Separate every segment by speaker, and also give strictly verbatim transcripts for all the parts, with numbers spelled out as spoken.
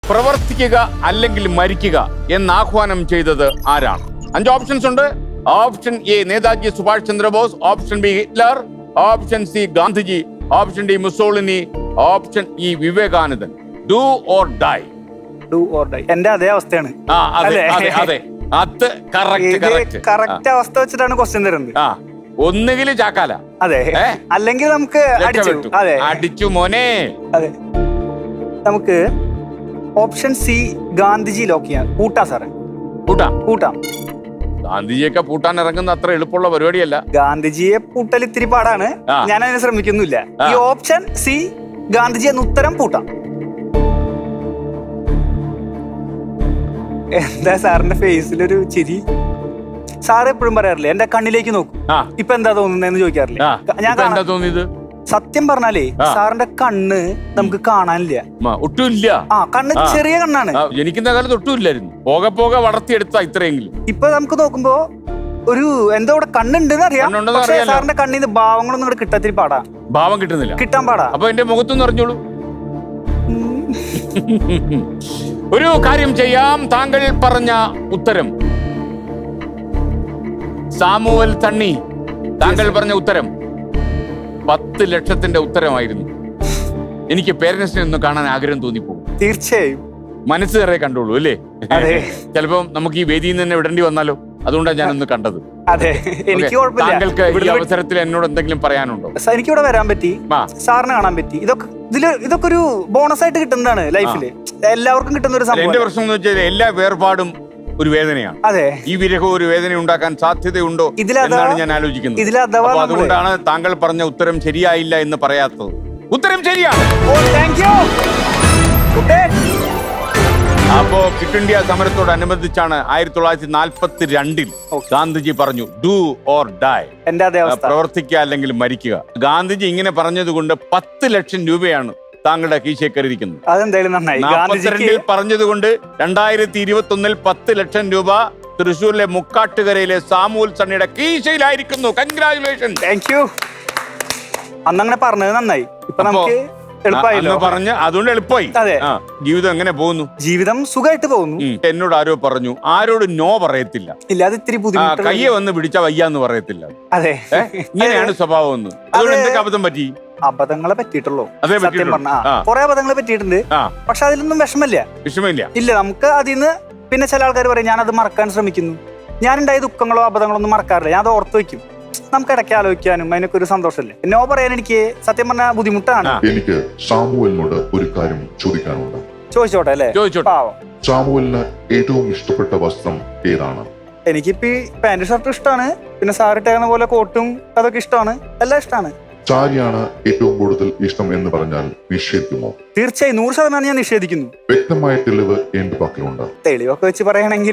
Speaker 1: പ്രവർത്തിക്കുക അല്ലെങ്കിൽ മരിക്കുക എന്ന് ആഹ്വാനം ചെയ്തത് ആരാണ്? അഞ്ച് ഓപ്ഷൻസ് ഉണ്ട്. Option A Netaji Subhash Chandra Bose, option B Hitler, option C Gandhiji, option D Mussolini, option E വിവേകാനന്ദൻ. Do or die.
Speaker 2: Do or die. എന്റെ അതേ അവസ്ഥയാണ്.
Speaker 1: ആ അതെ അതെ അതെ അത് കറക്റ്റ്
Speaker 2: കറക്റ്റ് അവസ്ഥ വെച്ചിട്ടാണ് ക്വസ്റ്റ്യൻ തരുന്നത്.
Speaker 1: ആ ഒന്നുകിൽ ചാക്കാല,
Speaker 2: അതെ, അല്ലെങ്കിൽ നമുക്ക് അടിച്ചു. അതെ
Speaker 1: അടിച്ചു മോനെ.
Speaker 2: അതെ, നമുക്ക് ഓപ്ഷൻ സി ഗാന്ധിജി ലോക്ക് ചെയ്യാം. കൂട്ടാ സാറേ,
Speaker 1: കൂട്ടാം
Speaker 2: കൂട്ടാം.
Speaker 1: ഗാന്ധിജിയൊക്കെ പൂട്ടാൻ ഇറങ്ങുന്ന അത്ര എളുപ്പമുള്ള പരിപാടിയല്ല.
Speaker 2: ഗാന്ധിജിയെ പൂട്ടൽ ഇത്തിരി പാടാണ്. ഞാൻ അതിന് ശ്രമിക്കുന്നില്ല. ഈ ഓപ്ഷൻ സി ഗാന്ധിജി എന്ന ഉത്തരം പൂട്ടാം. എന്താ സാറിന്റെ ഫേസിലൊരു ചിരി? സാറ് എപ്പോഴും പറയാറില്ലേ എന്റെ കണ്ണിലേക്ക് നോക്കും, ഇപ്പൊ എന്താ തോന്നുന്നതെന്ന് ചോദിക്കാറില്ലേ? ഞാൻ
Speaker 1: എന്താ തോന്നിയത്?
Speaker 2: സത്യം പറഞ്ഞാലേ സാറിന്റെ കണ്ണ് നമുക്ക് കാണാനില്ല,
Speaker 1: ഒട്ടുമില്ല.
Speaker 2: ആ കണ്ണ് ചെറിയ കണ്ണാണ്.
Speaker 1: ജനിക്കുന്ന കാലത്ത് ഒട്ടുമില്ലായിരുന്നു. പോകെ പോകെ വളർത്തിയെടുത്ത ഇത്രയെങ്കിലും.
Speaker 2: ഇപ്പൊ നമുക്ക് നോക്കുമ്പോ ഒരു എന്തോ ഇവിടെ കണ്ണുണ്ടെന്ന് അറിയാം. പക്ഷേ സാറിന്റെ കണ്ണിന്ന് ഭാവങ്ങളൊന്നും ഇവിടെ കിട്ടാത്തിരി പാടാ.
Speaker 1: ഭാവം കിട്ടുന്നില്ല,
Speaker 2: കിട്ടാൻ പാടാ.
Speaker 1: അപ്പൊ എന്റെ മുഖത്തൊന്നും അറിഞ്ഞോളൂ. ഒരു കാര്യം ചെയ്യാം. താങ്കൾ പറഞ്ഞ ഉത്തരം സാമുവൽ തണ്ണി, താങ്കൾ പറഞ്ഞ ഉത്തരം പത്ത് ലക്ഷത്തിന്റെ ഉത്തരമായിരുന്നു. എനിക്ക് പേരൻസിനെ ഒന്ന് കാണാൻ ആഗ്രഹം തോന്നിപ്പോകും.
Speaker 2: തീർച്ചയായും
Speaker 1: മനസ്സ് കയറേ കണ്ടോളൂ അല്ലേ? ചിലപ്പോ നമുക്ക് ഈ വേദിയിൽ നിന്ന് തന്നെ വിടേണ്ടി വന്നാലോ? അതുകൊണ്ടാണ് ഞാനൊന്ന് കണ്ടത്.
Speaker 2: അതെ, എനിക്ക്
Speaker 1: താങ്കൾക്ക് ഈ അവസരത്തിൽ എന്നോട് എന്തെങ്കിലും പറയാനുണ്ടോ?
Speaker 2: എനിക്ക് ഇവിടെ വരാൻ പറ്റി, സാറിനെ കാണാൻ പറ്റി. ഇതൊക്കെ ഇതില് ഇതൊക്കെ ഒരു ബോണസ് ആയിട്ട് കിട്ടുന്നതാണ് ലൈഫില്. എല്ലാവർക്കും കിട്ടുന്ന ഒരു സംഭവം.
Speaker 1: എന്റെ പ്രശ്നം എന്ന് വെച്ചാൽ എല്ലാ വേർപാടും ഒരു വേദനയാണ്.
Speaker 2: അതെ,
Speaker 1: ഈ വിരഹം ഒരു വേദന ഉണ്ടാക്കാൻ സാധ്യതയുണ്ടോ എന്നാണ് ഞാൻ ആലോചിക്കുന്നത്. അതുകൊണ്ടാണ് താങ്കൾ പറഞ്ഞ ഉത്തരം ശരിയായില്ല എന്ന് പറയാത്തത്. ഉത്തരം ശരിയാണ്. അപ്പോ ക്വിറ്റ് ഇന്ത്യ സമരത്തോടനുബന്ധിച്ചാണ് ആയിരത്തി തൊള്ളായിരത്തി നാൽപ്പത്തി രണ്ടിൽ ഗാന്ധിജി പറഞ്ഞു ഡു ഓർ ഡൈ, പ്രവർത്തിക്കുക അല്ലെങ്കിൽ മരിക്കുക. ഗാന്ധിജി ഇങ്ങനെ പറഞ്ഞത് കൊണ്ട് പത്ത് ലക്ഷം രൂപയാണ് താങ്കളുടെ കീശേക്കറിയിരിക്കുന്നത്. നാൽപ്പത്തിരണ്ടിൽ പറഞ്ഞതുകൊണ്ട് രണ്ടായിരത്തി ഇരുപത്തി ഒന്നിൽ പത്ത് ലക്ഷം രൂപ തൃശ്ശൂരിലെ മുക്കാട്ടുകരയിലെ സാമുവൽ സണ്ണിയുടെ കീശയിലായിരിക്കുന്നു. കൺഗ്രാറ്റുലേഷൻ.
Speaker 2: Thank you. അന്നങ്ങനെ പറഞ്ഞത് നന്നായി. ഇപ്പൊ നമുക്ക്
Speaker 1: പറഞ്ഞ് അതുകൊണ്ട് എളുപ്പമായി.
Speaker 2: അതെ,
Speaker 1: ജീവിതം എങ്ങനെ പോകുന്നു?
Speaker 2: ജീവിതം സുഖമായിട്ട് പോകുന്നു.
Speaker 1: എന്നോട് ആരോ പറഞ്ഞു ആരോട് നോ പറയത്തില്ല.
Speaker 2: ഇല്ല, അത് ഇത്തിരി ബുദ്ധിമുട്ട്.
Speaker 1: കയ്യെ വന്ന് പിടിച്ചാ വയ്യാന്ന് പറയത്തില്ല.
Speaker 2: അതെ,
Speaker 1: ഇങ്ങനെയാണ് സ്വഭാവം എന്ന്. അതുകൊണ്ട് എന്തൊക്കെ അബദ്ധം പറ്റി?
Speaker 2: അബദ്ധങ്ങളെ പറ്റിയിട്ടുള്ളൂ. സത്യം പറഞ്ഞ കുറെ അബദ്ധങ്ങൾ പറ്റിയിട്ടുണ്ട്. പക്ഷെ അതിലൊന്നും വിഷമമില്ല.
Speaker 1: വിഷമമില്ല
Speaker 2: ഇല്ല. നമുക്ക് അതിൽ നിന്ന് പിന്നെ ചില ആൾക്കാർ പറയും ഞാനത് മറക്കാൻ ശ്രമിക്കുന്നു. ഞാനുണ്ടായ ദുഃഖങ്ങളോ അബദ്ധങ്ങളോ ഒന്നും മറക്കാറില്ല. ഞാൻ അത് ഓർത്ത് വയ്ക്കും. നമുക്ക് ഇടയ്ക്ക് ആലോചിക്കാനും അതിനൊക്കെ ഒരു സന്തോഷമല്ലേ. നോ പറയാൻ എനിക്ക് സത്യം പറഞ്ഞ ബുദ്ധിമുട്ടാണ്.
Speaker 3: എനിക്ക് സാമുവലിനോട് ഒരു കാര്യം ചോദിക്കാനുണ്ട്.
Speaker 2: ചോദിച്ചോട്ടെ അല്ലേ?
Speaker 1: ചോദിച്ചോട്ടെ.
Speaker 3: സാമുവലിന് ഏറ്റവും ഇഷ്ടപ്പെട്ട വസ്ത്രം ഏതാണ്?
Speaker 2: എനിക്കിപ്പോ പാന്റ് ഷർട്ടും ഇഷ്ടമാണ്. പിന്നെ സാറിട്ടേക്കുന്ന പോലെ കോട്ടും അതൊക്കെ ഇഷ്ടമാണ്. എല്ലാം ഇഷ്ടമാണ്.
Speaker 3: സാരിയാണ് ഏറ്റവും കൂടുതൽ ഇഷ്ടം എന്ന് പറഞ്ഞാൽ നിഷേധിക്കുമോ?
Speaker 2: തീർച്ചയായും നൂറ് ശതമാനം ഞാൻ നിഷേധിക്കുന്നു.
Speaker 3: വ്യക്തമായ തെളിവ് എന്റെ പക്കലുണ്ട്.
Speaker 2: തെളിവൊക്കെ വെച്ച് പറയുകയാണെങ്കിൽ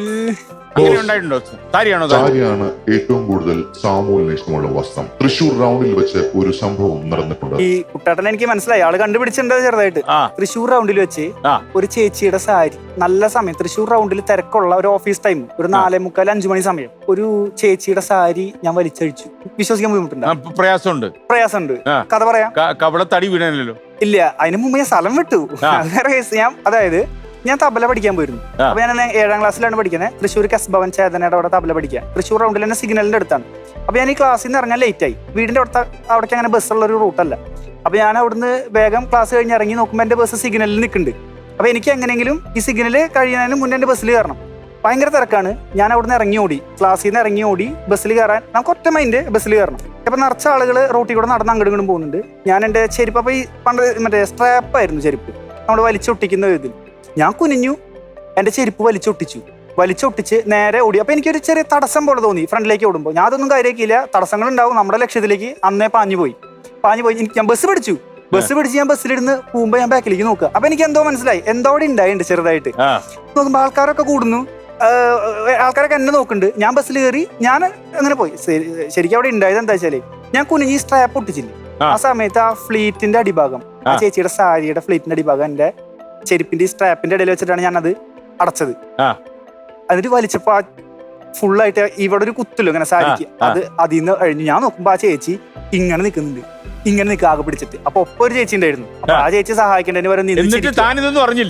Speaker 3: സാരിയാണ് ഏറ്റവും കൂടുതൽ സാമുവലിന് ഇഷ്ടമുള്ള വസ്ത്രം. തൃശൂർ റൗണ്ടിൽ വെച്ച് ഒരു സംഭവം നടന്നിട്ടുണ്ട്.
Speaker 2: ഈ കുട്ടാട്ടൻ എനിക്ക് മനസ്സിലായി, ആള് കണ്ടുപിടിച്ചിട്ടുണ്ട് ചെറുതായിട്ട്. തൃശൂർ റൗണ്ടിൽ വെച്ച് ഒരു ചേച്ചിയുടെ സാരി നല്ല സമയം, തൃശൂർ റൗണ്ടിൽ തിരക്കുള്ള ഒരു ഓഫീസ് ടൈം, ഒരു നാലേ മുക്കാൽ അഞ്ചു മണി സമയം, ഒരു ചേച്ചിയുടെ സാരി ഞാൻ വലിച്ചഴിച്ചു. വിശ്വസിക്കാൻ ബുദ്ധിമുട്ടുണ്ട്, പ്രയാസമുണ്ട് പ്രയാസമുണ്ട് കഥ പറയാം.
Speaker 1: കവളത്തടി വീണല്ലോ.
Speaker 2: ഇല്ല, അതിന് മുമ്പ് ഞാൻ സ്ഥലം വിട്ടു. ഞാൻ അതായത് ഞാൻ തബല പഠിക്കാൻ പോയിരുന്നു. അപ്പൊ ഞാൻ ഏഴാം ക്ലാസ്സിലാണ് പഠിക്കുന്നത്. തൃശ്ശൂർ കസ് ഭവൻ ചേതനയുടെ അവിടെ തബല പഠിക്കാൻ. തൃശ്ശൂർ റൗണ്ടിൽ തന്നെ സിഗ്നലിന്റെ അടുത്താണ്. അപ്പൊ ഞാൻ ഈ ക്ലാസ്സിൽ നിന്ന് ഇറങ്ങാൻ ലേറ്റ് ആയി. വീടിന്റെ അടുത്ത അവിടേക്ക് അങ്ങനെ ബസ്സുള്ള ഒരു റൂട്ടല്ല. അപ്പൊ ഞാൻ അവിടുന്ന് വേഗം ക്ലാസ് കഴിഞ്ഞ് ഇറങ്ങി നോക്കുമ്പോൾ എന്റെ ബസ് സിഗ്നലിൽ നിൽക്കുന്നുണ്ട്. അപ്പൊ എനിക്ക് എങ്ങനെയെങ്കിലും ഈ സിഗ്നൽ കഴിയുന്നതിന് മുന്നേ എന്റെ ബസ്സിൽ കയറണം. ഭയങ്കര തിരക്കാണ്. ഞാൻ അവിടുന്ന് ഇറങ്ങി ഓടി, ക്ലാസ്സിൽ നിന്ന് ഇറങ്ങി ഓടി ബസ്സിൽ കയറാൻ. നമുക്ക് ഒറ്റ മൈൻഡ് ബസ്സിൽ കയറണം. അപ്പൊ നിറച്ച ആളുകൾ റോട്ടിൽ കൂടെ നടന്ന് അങ്ങോട്ടും ഇങ്ങോട്ടും പോകുന്നുണ്ട്. ഞാൻ എന്റെ ചെരുപ്പ്, അപ്പൊ ഈ പണ്ട് മറ്റേ സ്ട്രാപ്പായിരുന്നു ചെരുപ്പ്, നമ്മൾ വലിച്ചൊട്ടിക്കുന്ന ഇതിൽ. ഞാൻ കുനിഞ്ഞു, എന്റെ ചെരുപ്പ് വലിച്ചൊട്ടിച്ചു. വലിച്ചൊട്ടിച്ച് നേരെ ഓടി. അപ്പൊ എനിക്കൊരു ചെറിയ തടസ്സം പോലെ തോന്നി ഫ്രണ്ടിലേക്ക് ഓടുമ്പോൾ. ഞാൻ അതൊന്നും കാര്യമാക്കിയില്ല. തടസ്സങ്ങൾ ഉണ്ടാവും, നമ്മുടെ ലക്ഷ്യത്തിലേക്ക് അന്നേ പാഞ്ഞു പോയി പാഞ്ഞു പോയി എനിക്ക് ഞാൻ ബസ് പിടിച്ചു. ബസ് പിടിച്ച് ഞാൻ ബസ്സിലിരുന്ന് പോകുമ്പോൾ ഞാൻ ബാക്കിലേക്ക് നോക്കുക. അപ്പൊ എനിക്ക് എന്തോ മനസ്സിലായി, എന്തോ അവിടെ ഉണ്ടായിട്ടുണ്ട് ചെറുതായിട്ട്. നോക്കുമ്പോൾ ആൾക്കാരൊക്കെ കൂടുന്നു, ആൾക്കാരൊക്കെ എന്നെ നോക്കുന്നുണ്ട്. ഞാൻ ബസ്സിൽ കയറി, ഞാൻ അങ്ങനെ പോയി. ശരിക്കും അവിടെ ഉണ്ടായത് എന്താ വെച്ചാല്, ഞാൻ കുനിഞ്ഞ് ഈ സ്ട്രാപ്പ് ഒട്ടിച്ചില്ല. ആ സമയത്ത് ആ ഫ്ലീറ്റിന്റെ അടിഭാഗം, ആ ചേച്ചിയുടെ സാരിയുടെ ഫ്ലീറ്റിന്റെ അടിഭാഗം എന്റെ ചെരുപ്പിന്റെ ഈ സ്ട്രാപ്പിന്റെ ഇടയിൽ വെച്ചിട്ടാണ് ഞാൻ അത് അടച്ചത്. എന്നിട്ട് വലിച്ചപ്പോ ഫുള്ളായിട്ട് ഇവിടെ ഒരു കുത്തല്ലോ ഇങ്ങനെ സാരിക്ക്, അത് അതിൽ നിന്ന് കഴിഞ്ഞു. ഞാൻ നോക്കുമ്പോ ആ ചേച്ചി ഇങ്ങനെ നിൽക്കുന്നുണ്ട്, ഇങ്ങനെ നിൽക്കുക ആകെ പിടിച്ചിട്ട്. അപ്പൊ ഒപ്പം ഒരു ചേച്ചി ഉണ്ടായിരുന്നു. അപ്പൊ ആ ചേച്ചി സഹായിക്കേണ്ടതിന് പറഞ്ഞില്ലേ?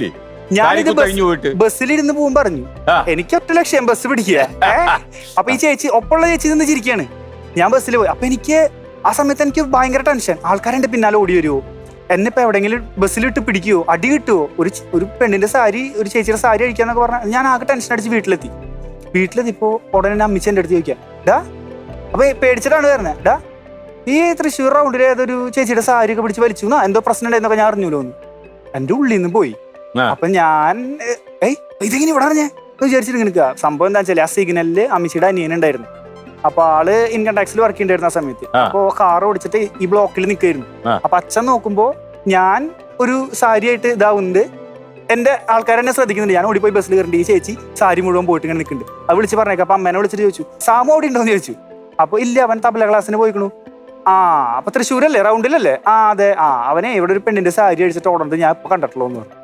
Speaker 2: ഞാനിത്
Speaker 1: കഴിഞ്ഞു പോയിട്ട്
Speaker 2: ബസ്സിലിരുന്ന് പോകും പറഞ്ഞു എനിക്ക് ഒറ്റ ലക്ഷ്യം ബസ് പിടിക്കുക. അപ്പൊ ഈ ചേച്ചി ഒപ്പമുള്ള ചേച്ചി നിന്ന് ചിരിക്കുകയാണ്. ഞാൻ ബസ്സിൽ പോയി. അപ്പൊ എനിക്ക് ആ സമയത്ത് എനിക്ക് ഭയങ്കര ടെൻഷൻ. ആൾക്കാരെന്റെ പിന്നാലെ ഓടി വരുമോ, എന്നെ ഇപ്പൊ എവിടെയെങ്കിലും ബസ്സിലിട്ട് പിടിക്കുവോ, അടി കിട്ടുവോ, ഒരു ഒരു പെണ്ണിന്റെ സാരി ഒരു ചേച്ചിയുടെ സാരി അടിക്കാന്നൊക്കെ പറഞ്ഞാൽ ഞാൻ ആകെ ടെൻഷൻ അടിച്ച് വീട്ടിലെത്തി. വീട്ടിലെത്തിപ്പോ ഉടനെ അമ്മിച്ച എന്റെ അടുത്ത് ചോദിക്കാം, ഡാ അപ്പൊ പേടിച്ചിട്ടാണ് വരുന്നത്, ഡാ ഈ തൃശ്ശൂർ റൗണ്ടിൽ ഏതൊരു ചേച്ചിയുടെ സാരി ഒക്കെ പിടിച്ച് വലിച്ചു എന്നാ എന്തോ പ്രശ്നം ഉണ്ടായെന്നൊക്കെ ഞാൻ അറിഞ്ഞൂലോ എന്ന് എന്റെ ഉള്ളിൽ നിന്ന് പോയി. അപ്പൊ ഞാൻ ഏയ് ഇതെങ്ങനെ ഇവിടെ അറിഞ്ഞേ വിചാരിച്ചിട്ട് നിൽക്കുക. സംഭവം എന്താ വെച്ചാൽ ആ സിഗ്നലില് അമ്മിച്ചിയുടെ അനിയൻ ഉണ്ടായിരുന്നു. അപ്പൊ ആള് ഇൻകം ടാക്സിൽ വർക്ക് ചെയ്യണ്ടായിരുന്നു ആ സമയത്ത്. അപ്പൊ കാർ ഓടിച്ചിട്ട് ഈ ബ്ലോക്കിൽ നിൽക്കായിരുന്നു. അപ്പൊ അച്ഛൻ നോക്കുമ്പോ ഞാൻ ഒരു സാരി ആയിട്ട് ഇതാവുന്നുണ്ട്. എന്റെ ആൾക്കാരെന്നെ ശ്രദ്ധിക്കുന്നുണ്ട്. ഞാൻ ഓടിപ്പോയി ബസ്സിൽ കയറിണ്ട്. ഈ ചേച്ചി സാരി മുഴുവൻ പോയിട്ട് ഇങ്ങനെ നിൽക്കുന്നുണ്ട്. അത് വിളിച്ച് പറഞ്ഞേക്കാം. അപ്പൊ അമ്മേനെ വിളിച്ചിട്ട് ചോദിച്ചു, സാമു അവിടെ ഉണ്ടോന്ന് ചോദിച്ചു. അപ്പൊ ഇല്ല, അവൻ തബല ക്ലാസ്സിന് പോയിക്കണു. ആ അപ്പൊ തൃശ്ശൂരല്ലേ, റൗണ്ടിലല്ലേ? ആ അതെ. ആ അവനെ ഇവിടെ ഒരു പെണ്ണിന്റെ സാരി അടിച്ചിട്ട് ഓടുന്നത് ഞാൻ ഇപ്പൊ കണ്ടിട്ടുള്ളൂ എന്ന് പറഞ്ഞു.